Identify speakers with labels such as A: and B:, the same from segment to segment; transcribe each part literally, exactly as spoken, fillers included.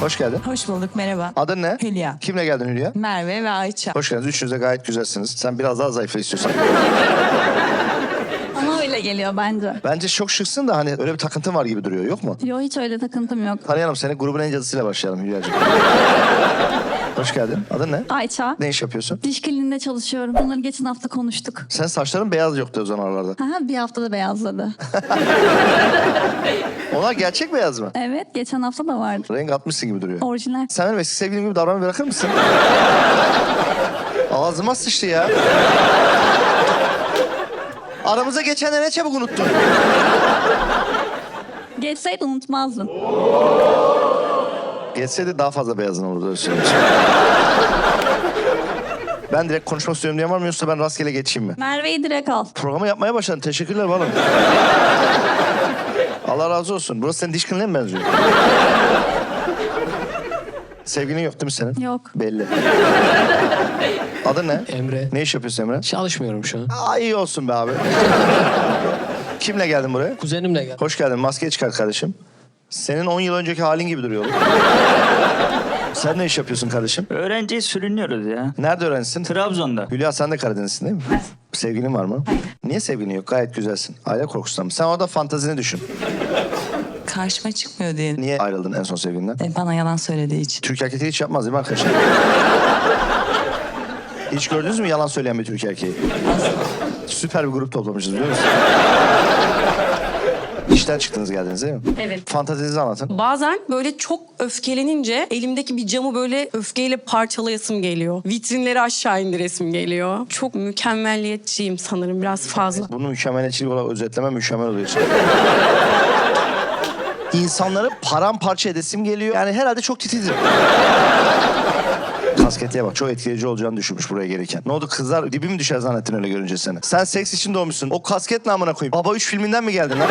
A: Hoş geldin.
B: Hoş bulduk, merhaba.
A: Adın ne?
B: Hülya.
A: Kimle geldin Hülya?
B: Merve ve Ayça.
A: Hoş geldiniz. Üçünüz de gayet güzelsiniz. Sen biraz daha zayıfla istiyorsan.
C: Ama öyle geliyor bence.
A: Bence çok şıksın da hani öyle bir takıntın var gibi duruyor. Yok mu?
C: Yo, hiç öyle takıntım yok.
A: Tanıyalım seni. Grubun en cadısıyla başlayalım Hülya'cığım. Hoş geldin. Adın ne?
C: Ayça.
A: Ne iş yapıyorsun?
C: Diş kliniğinde çalışıyorum. Bunları geçen hafta konuştuk.
A: Sen saçların beyaz yoktu o zaman aralarda.
C: Aha, bir haftada beyazladı.
A: Onlar gerçek beyaz mı?
C: Evet, geçen hafta da vardı.
A: Renk atmışsın gibi duruyor.
C: Orijinal.
A: Sen benim eski sevgilim gibi davranmayı bırakır mısın? Ağzıma sıçtı ya. Aramıza geçenleri ne çabuk unuttun.
C: Geçseydi unutmazdın.
A: Geçseydi daha fazla beyazın olurdu öyle söyleyeyim. Ben direkt konuşmak istiyorum diyen var mı yoksa ben rastgele geçeyim mi?
C: Merve'yi direkt al.
A: Programı yapmaya başladın. Teşekkürler oğlum. Allah razı olsun. Burası senin diş kliniğine mi benziyor? Sevgilin yok değil mi senin?
C: Yok.
A: Belli. Adın ne?
D: Emre.
A: Ne iş yapıyorsun Emre?
D: Çalışmıyorum şu an.
A: Aa, iyi olsun be abi. Kimle geldin buraya?
D: Kuzenimle geldim.
A: Hoş geldin. Maskeyi çıkar kardeşim. Senin on yıl önceki halin gibi duruyor oğlum. Sen ne iş yapıyorsun kardeşim?
E: Öğrenciyi sürünüyoruz ya.
A: Nerede öğrencisin?
E: Trabzon'da.
A: Hülya sen de Karadeniz'sin değil mi? Evet. Sevgilin var mı? Hayır. Niye sevgilin yok? Gayet güzelsin. Aile korkusundan mı? Sen orada fantazini düşün.
B: Karşıma çıkmıyor diye.
A: Niye ayrıldın en son sevgilinden?
B: E, bana yalan söylediği için.
A: Türk erkekleri hiç yapmaz değil mi arkadaşlar? Hiç gördünüz mü yalan söyleyen bir Türk erkeği? Süper bir grup toplamışız biliyor musun? İşten çıktınız geldiniz değil mi?
F: Evet.
A: Fantazinizi anlatın.
F: Bazen böyle çok öfkelenince elimdeki bir camı böyle öfkeyle parçalayasım geliyor. Vitrinleri aşağı indiresim geliyor. Çok mükemmelliyetçiyim sanırım biraz fazla.
A: Bunu mükemmeliyetçilik olarak özetleme mükemmel oluyor. İnsanları paramparça edesim geliyor. Yani herhalde çok titizim. Kasketliğe bak. Çok etkileyici olacağını düşünmüş buraya gelirken. Ne oldu kızlar dibi mi düşer zannettin öyle görünce seni? Sen seks için doğmuşsun. O kasket namına koyayım. Baba üç filminden mi geldin lan?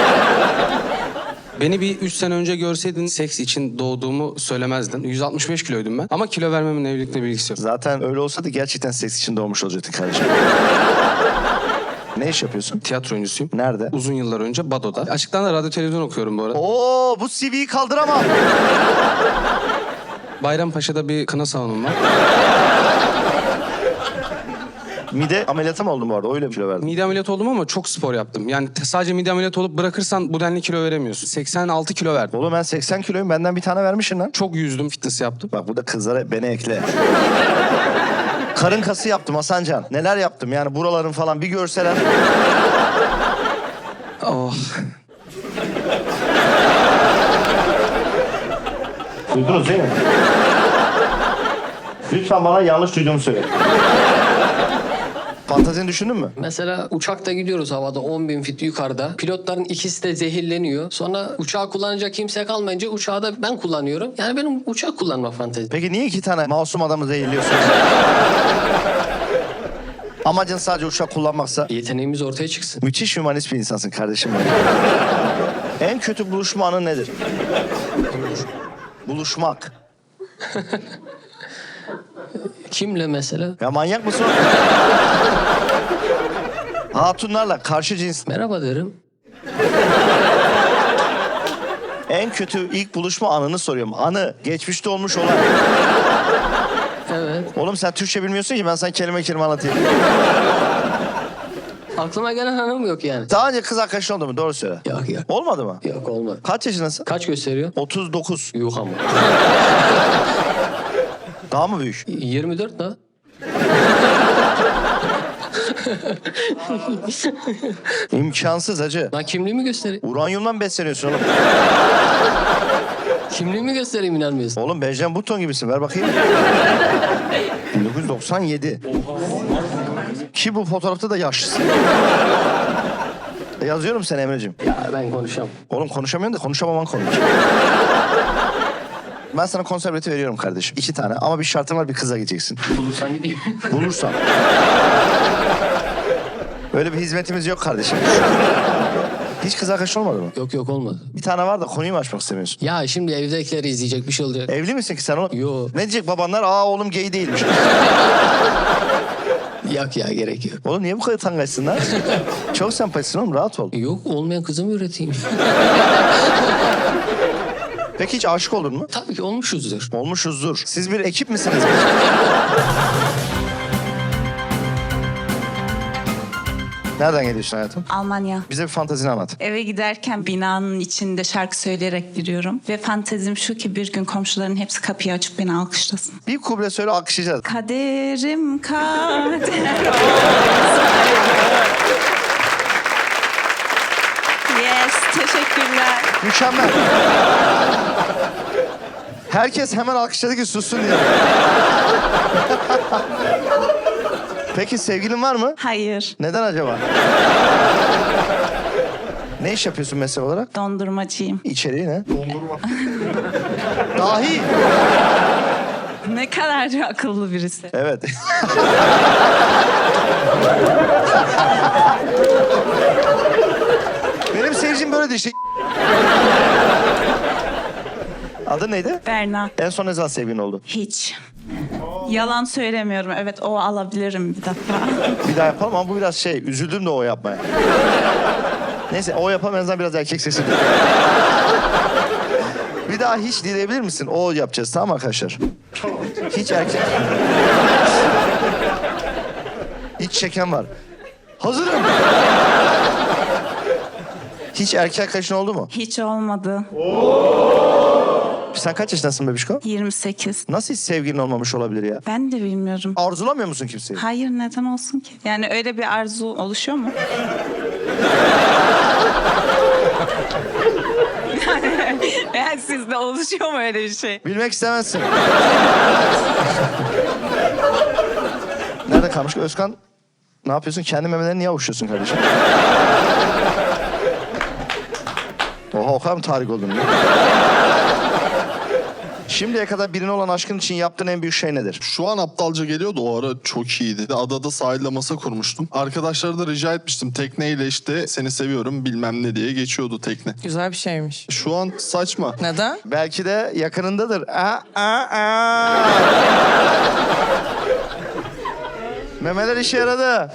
D: Beni bir üç sene önce görseydin seks için doğduğumu söylemezdin. yüz altmış beş kiloydum ben. Ama kilo vermemin evlilikle bir ilgisi yok.
A: Zaten öyle olsaydı gerçekten seks için doğmuş olacaktın kardeşim. Ne iş yapıyorsun?
D: Tiyatro oyuncusuyum.
A: Nerede?
D: Uzun yıllar önce Bado'da. Açıktan da radyo televizyon okuyorum bu arada.
A: Oo, bu C V'yi kaldıramam.
D: Bayrampaşa'da bir kına salonum var.
A: Mide ameliyatı mı oldun bu arada? Öyle bir kilo verdin.
D: Mide ameliyatı oldum ama çok spor yaptım. Yani te- sadece mide ameliyatı olup bırakırsan bu denli kilo veremiyorsun. seksen altı kilo verdim.
A: Oğlum ben seksen kiloyum. Benden bir tane vermişsin lan.
D: Çok yüzdüm, fitness yaptım.
A: Bak burada kızlara beni ekle. Karın kası yaptım Hasancan. Neler yaptım yani buraların falan bir görseler.
D: Oh.
A: Duydunuz değil mi? Lütfen bana yanlış duyduğumu söyle. Fantazini düşündün mü?
G: Mesela uçakta gidiyoruz havada on bin fit yukarıda. Pilotların ikisi de zehirleniyor. Sonra uçağı kullanacak kimse kalmayınca uçağı da ben kullanıyorum. Yani benim uçak kullanma fantezim.
A: Peki niye iki tane masum adamı zehirliyorsun? Amacın sadece uçak kullanmaksa.
G: Yeteneğimiz ortaya çıksın.
A: Müthiş hümanist bir insansın kardeşim benim. En kötü buluşma anı nedir? Buluşmak.
G: Kimle mesela?
A: Ya manyak mısın? Hatunlarla karşı cins.
G: Merhaba derim.
A: En kötü ilk buluşma anını soruyorum. Anı, geçmişte olmuş olan.
G: Evet.
A: Oğlum sen Türkçe bilmiyorsun ki ben sana kelime kelime anlatayım.
G: Aklıma gelen hanım yok yani.
A: Daha önce kız arkadaşın oldu mu? Doğru söyle.
G: Yok yok.
A: Olmadı mı?
G: Yok olmadı.
A: Kaç yaşındasın?
G: Kaç gösteriyor?
A: otuz dokuz.
G: Yok ama.
A: Daha mı büyük?
G: yirmi dört da.
A: İmkansız hacı.
G: Lan kimliğimi göstereyim.
A: Uranyumdan besleniyorsun oğlum.
G: Kimliğimi göstereyim inanmıyorsun.
A: Oğlum Benjamin Button gibisin. Ver bakayım. bin dokuz yüz doksan yedi. Ki bu fotoğrafta da yaşlısın. E, Yazıyorum seni Emre'cim.
G: Ya ben konuşamam.
A: Oğlum konuşamıyorsun da konuşamaman komik. Ben sana konser bileti veriyorum kardeşim. İki tane ama bir şartım var bir kıza gideceksin.
G: Bulursan gideyim.
A: Bulursan. Öyle bir hizmetimiz yok kardeşim. Hiç kız arkadaşın olmadı mı?
G: Yok yok olmadı.
A: Bir tane var da konuyu mu açmak istemiyorsun?
G: Ya şimdi evdekileri izleyecek bir şey olacak.
A: Evli misin ki sen oğlum?
G: Yo.
A: Ne diyecek babanlar? Aa oğlum gay değilmiş.
G: Yok ya gerek yok.
A: Oğlum niye bu kadar tangaçsın lan? Çok sempatiksin oğlum rahat ol.
G: Yok olmayan kızımı üreteyim.
A: Peki hiç aşık oldun mu?
G: Tabii ki olmuşuzdur.
A: Olmuşuzdur. Siz bir ekip misiniz? Nereden geliyorsun hayatım?
B: Almanya.
A: Bize bir fantezini anlat.
B: Eve giderken binanın içinde şarkı söyleyerek giriyorum. Ve fantezim şu ki bir gün komşuların hepsi kapıyı açıp beni alkışlasın.
A: Bir kuble söyle alkışlayacağız.
B: Kaderim kader. Yes, teşekkürler.
A: Mükemmel. Herkes hemen alkışladı ki sussun diye. Peki sevgilin var mı?
B: Hayır,
A: Neden acaba? Ne iş yapıyorsun meslek olarak?
B: dondurmacıyım.
A: İçeriği ne? Dondurma. Dahi.
B: Ne kadar akıllı birisi.
A: Evet. Benim seyircim böyle işte. Adın neydi?
B: Berna.
A: En son ne zaman sevgilin oldu?
B: Hiç. Yalan söylemiyorum. Evet, o alabilirim bir defa.
A: Bir daha yapalım ama bu biraz şey, üzüldüm de o yapmaya. Neyse o yapalım en azından biraz erkek sesi. Bir daha hiç dileyebilir misin? O yapacağız tamam mı arkadaşlar? Hiç erkek... Hiç çeken var. Hazırım. Hiç erkek arkadaşın oldu mu?
B: Hiç olmadı.
A: Sen kaç yaşındasın bebişko?
B: yirmi sekiz.
A: Nasıl hiç sevgilin olmamış olabilir ya?
B: Ben de bilmiyorum.
A: Arzulamıyor musun kimseyi?
B: Hayır, neden olsun ki? Yani öyle bir arzu oluşuyor mu? yani sizde oluşuyor mu öyle bir şey?
A: Bilmek istemezsin. Nerede kalmış? Özkan, ne yapıyorsun? Kendi memelerini niye avuçluyorsun kardeşim? Oha o kadar mı tarih oldun ya? Şimdiye kadar birine olan aşkın için yaptığın en büyük şey nedir?
H: Şu an aptalca geliyordu, o ara çok iyiydi. Adada sahilde masa kurmuştum. Arkadaşlara da rica etmiştim. Tekneyle işte seni seviyorum bilmem ne diye geçiyordu tekne.
I: Güzel bir şeymiş.
H: Şu an saçma.
I: Neden?
A: Belki de yakınındadır. Aa, aa, aa. Memeler işe yaradı.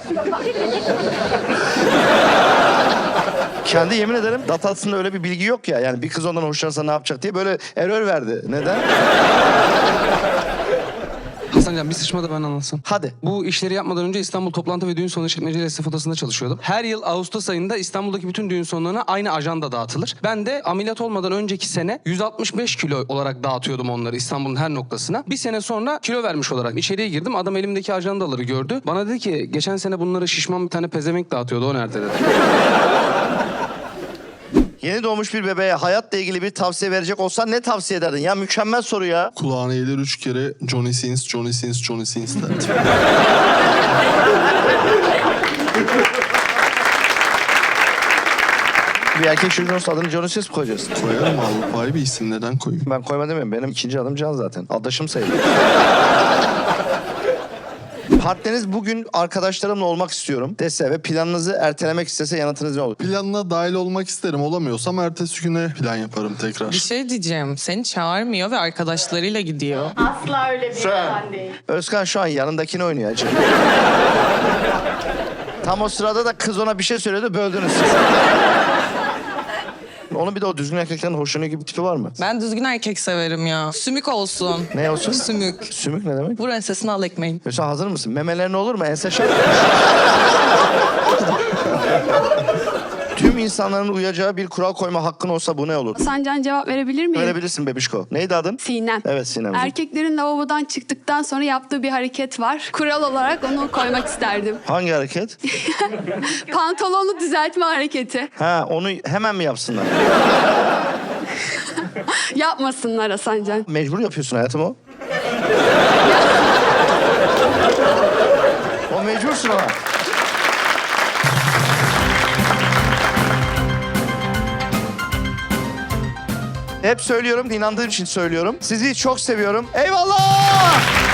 A: Kendi yemin ederim datasında öyle bir bilgi yok ya. Yani bir kız ondan hoşlanırsa ne yapacak diye böyle error verdi. Neden?
D: Hasancan bir sıçma da ben anlatsam.
A: Hadi.
D: Bu işleri yapmadan önce İstanbul Toplantı ve Düğün Sonu İşletmecileri Esnaf Odası'nda çalışıyordum. Her yıl Ağustos ayında İstanbul'daki bütün düğün sonlarına aynı ajanda dağıtılır. Ben de ameliyat olmadan önceki sene yüz altmış beş kilo olarak dağıtıyordum onları İstanbul'un her noktasına. Bir sene sonra kilo vermiş olarak içeriye girdim. Adam elimdeki ajandaları gördü. Bana dedi ki geçen sene bunları şişman bir tane pezevenk dağıtıyordu, o nerede dedi.
A: Yeni doğmuş bir bebeğe hayatla ilgili bir tavsiye verecek olsan ne tavsiye ederdin? Ya mükemmel soru ya.
H: Kulağına eğilir üç kere Johnny Sins, Johnny Sins, Johnny Sins derdi.
A: Bir erkek çocuğun olsa adını Johnny Sins mi koyacağız?
H: Koyarım Avrupa'yı bir isim, neden koyayım?
A: Ben koyma demiyorum. Benim ikinci adım Can zaten. Adaşım sayılır. Partneriniz bugün arkadaşlarımla olmak istiyorum dese ve planınızı ertelemek istese yanıtınız ne olur?
H: Planına dahil olmak isterim. Olamıyorsam ertesi güne plan yaparım tekrar.
I: Bir şey diyeceğim. Seni çağırmıyor ve arkadaşlarıyla gidiyor.
J: Asla öyle bir insan değil.
A: Özkan şu an yanındakini oynuyor acı. Tam o sırada da kız ona bir şey söyledi, böldünüz siz. Onun bir de o düzgün erkeklerin hoşlanıyor gibi bir tipi var mı?
I: Ben düzgün erkek severim ya. Sümük olsun.
A: Ne olsun?
I: Sümük.
A: Sümük ne demek?
I: Vur ensesine al ekmeğin.
A: Mesela hazır mısın? Memelerin olur mu? Ense şart. Tüm insanların uyacağı bir kural koyma hakkın olsa bu ne olur?
J: Sancan cevap verebilir miyim?
A: Verebilirsin bebişko. Neydi adın?
J: Sinem.
A: Evet Sinem.
J: Erkeklerin lavabodan çıktıktan sonra yaptığı bir hareket var. Kural olarak onu koymak isterdim.
A: Hangi hareket?
J: Pantolonu düzeltme hareketi.
A: Ha onu hemen mi yapsınlar?
J: Yapmasınlar Hasancan.
A: Mecbur yapıyorsun hayatım o. O mecbursun ama. Hep söylüyorum, inandığım için söylüyorum. Sizi çok seviyorum. Eyvallah!